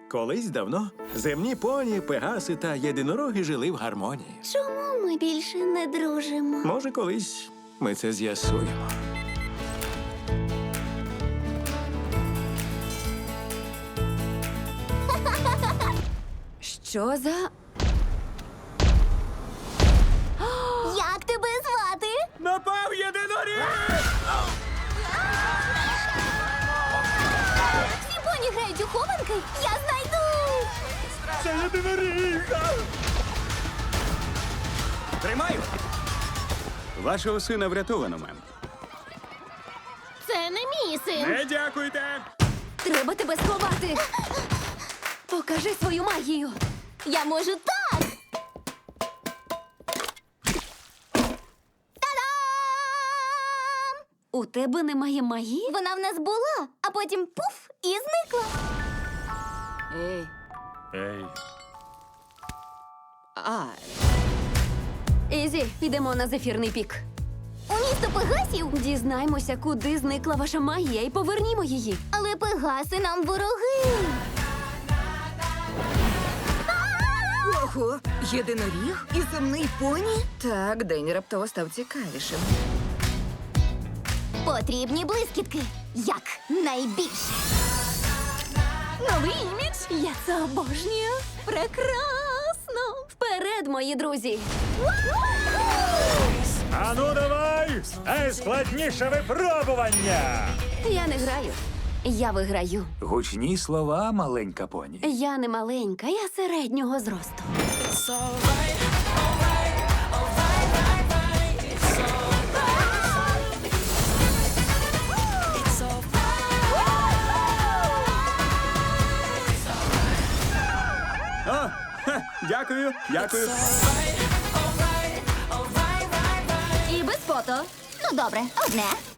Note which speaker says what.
Speaker 1: Колись давно земні поні, пегаси та єдинороги жили в гармонії.
Speaker 2: Чому ми більше не дружимо?
Speaker 1: Може, колись ми це з'ясуємо.
Speaker 2: Що за... Як тебе звати?
Speaker 1: Напав єдиноріг!
Speaker 2: Всі поні грають у хованки? Я знайду!
Speaker 1: Це єдиноріг!
Speaker 3: Тримаю! Вашого сина врятовано, мем.
Speaker 2: Це не мій син.
Speaker 3: Не дякуйте!
Speaker 2: Треба тебе сховати. Покажи свою магію. Я можу так. Та-дам! У тебе немає магії? Вона в нас була, а потім пуф і зникла.
Speaker 4: Ей,
Speaker 3: Ей.
Speaker 2: Ізі, підемо на зефірний пік. У місто Пегасів? Дізнаймося, куди зникла ваша магія, і повернімо її. Але Пегаси нам вороги.
Speaker 4: ого, єдиноріг і земний поні? Так, день раптово став цікавішим.
Speaker 2: Потрібні блискітки. Як найбільше. Новий імідж? Я це обожнюю. Прекрасно. Вперед, мої друзі.
Speaker 5: Ану давай! Найскладніше випробування!
Speaker 2: Я не граю. Я виграю.
Speaker 3: Гучні слова, маленька поні.
Speaker 2: Я не маленька, я середнього зросту.
Speaker 3: О, дякую, дякую.
Speaker 2: І без фото. Ну, добре, одне.